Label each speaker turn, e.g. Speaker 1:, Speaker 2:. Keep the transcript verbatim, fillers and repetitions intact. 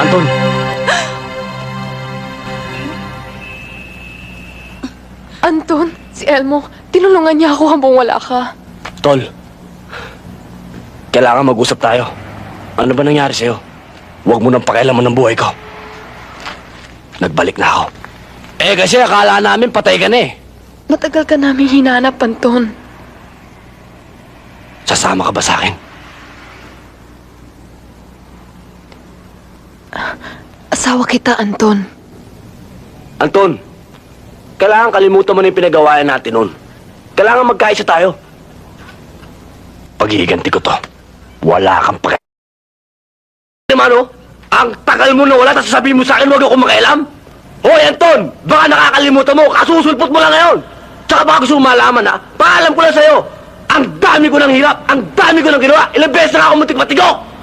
Speaker 1: Anton.
Speaker 2: Anton, si Elmo, tinulungan niya ako habang wala ka.
Speaker 1: Tol, kailangan mag-usap tayo. Ano ba nangyari sa'yo? Huwag mo nang pakialaman ng buhay ko. Nagbalik na ako. Eh kasi akala namin patay ka na eh.
Speaker 2: Matagal ka namin hinanap, Anton.
Speaker 1: Sasama ka ba sa akin?
Speaker 2: Asawa kita, Anton.
Speaker 1: Anton, kailangan kalimutan mo na yung pinagawayan natin noon. Kailangan magkaisa tayo. Paghihiganti ko to. Wala kang paki... Naman oh, ang tagal mo na wala, tapos sasabihin mo sa akin, huwag ako makialam. Hoy, Anton, baka nakakalimutan mo, kasusulpot mo lang ngayon. Tsaka baka gusto mo malaman ha, paalam ko lang sa'yo. Ang dami ko ng hirap, ang dami ko ng ginawa, ilang beses na ako muntik matigo.